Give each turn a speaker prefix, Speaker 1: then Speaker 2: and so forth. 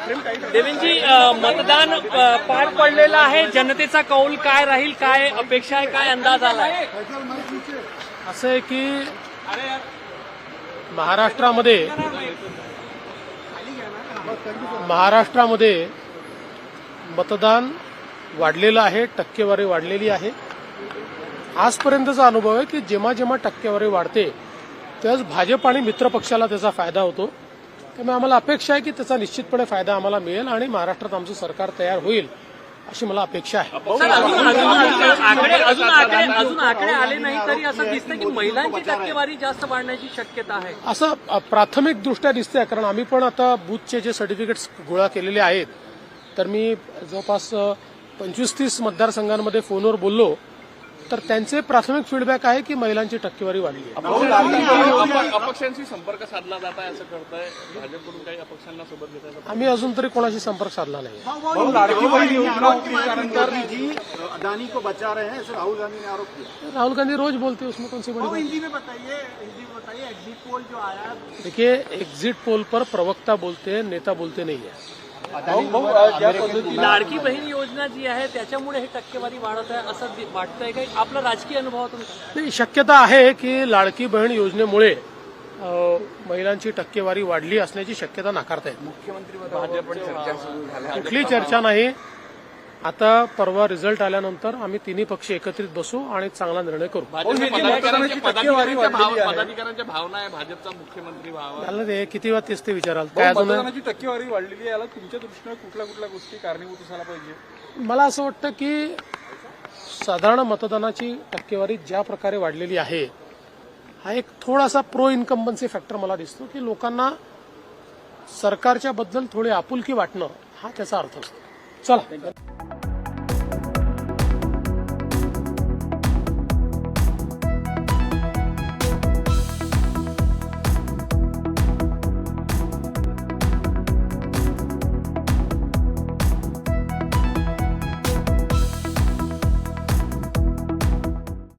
Speaker 1: देवेंजी, मतदान पार पडलेलं आहे. जनतेचा कौल काय राहील, काय अपेक्षा आहे, काय अंदाज आलाय?
Speaker 2: असं आहे की महाराष्ट्रामध्ये मतदान वाढलेलं आहे, टक्केवारी वाढलेली आहे. आजपर्यंतचा अनुभव आहे की जेव्हा जेव्हा टक्केवारी वाढते त्याच भाजप आणि मित्र पक्षाला त्याचा फायदा होतो. त्यामुळे आम्हाला अपेक्षा आहे की त्याचा निश्चितपणे फायदा आम्हाला मिळेल आणि महाराष्ट्रात आमचं सरकार तयार होईल अशी मला अपेक्षा आहे.
Speaker 1: अजून आकडे आले नाही तरी असं दिसतं की महिलांची टक्केवारी जास्त वाढण्याची शक्यता आहे.
Speaker 2: असं प्राथमिक दृष्ट्या दिसतंय, कारण आम्ही पण आता बूथचे जे सर्टिफिकेट्स गोळा केलेले आहेत तर मी जवळपास 25-30 मतदारसंघांमध्ये फोनवर बोललो तर त्यांचे प्राथमिक फीडबॅक आहे की महिलांची टक्केवारी वाढली आहे.
Speaker 3: अपक्षांशी संपर्क साधला जात आहे असं करताय भाजपकडून, काही अपक्षांना सोबत घेताय?
Speaker 2: आम्ही अजून तरी कोणाशी संपर्क साधला नाही.
Speaker 4: अदानी को बचा रहे हैं, राहुल गांधी ने आरोप किया.
Speaker 2: राहुल गांधी रोज बोलते, उसमें कौन सी बड़ी बात?
Speaker 4: हिंदी में बताइए एग्जिट पोल जो आया.
Speaker 2: देखिए, एग्जिट पोल पर प्रवक्ता बोलते हैं, नेता बोलते नहीं है.
Speaker 1: लाडकी बहीण योजना जी आहे त्याच्यामुळे हे टक्केवारी वाढत आहे असं वाटतंय काही? आपला राजकीय अनुभवातून
Speaker 2: नाही, शक्यता आहे की लाडकी बहीण योजनेमुळे महिलांची टक्केवारी वाढली असण्याची शक्यता नाकारता येत. कुठली चर्चा नाही. आता परवा रिझल्ट आल्यानंतर आम्ही तिन्ही पक्ष एकत्रित बसू आणि चांगला निर्णय करू.
Speaker 3: पदाधिकाऱ्यांच्या भावना आहे भाजपचा मुख्यमंत्री व्हावा.
Speaker 2: त्याला ते किती वेळा तेच ते विचाराल. काय अजून
Speaker 3: टक्केवारी वाढलेली आहे, याला तुमच्या दृष्टीने कुठल्या गोष्टी कारणीभूत असायला पाहिजे?
Speaker 2: मला असं वाटतं की साधारण मतदानाची टक्केवारी ज्या प्रकारे वाढलेली आहे हा एक थोडासा प्रो इन्कम्बन्सी फॅक्टर मला दिसतो की लोकांना सरकारच्या बद्दल थोडी आपुलकी वाटणं हा त्याचा अर्थ असतो. चला.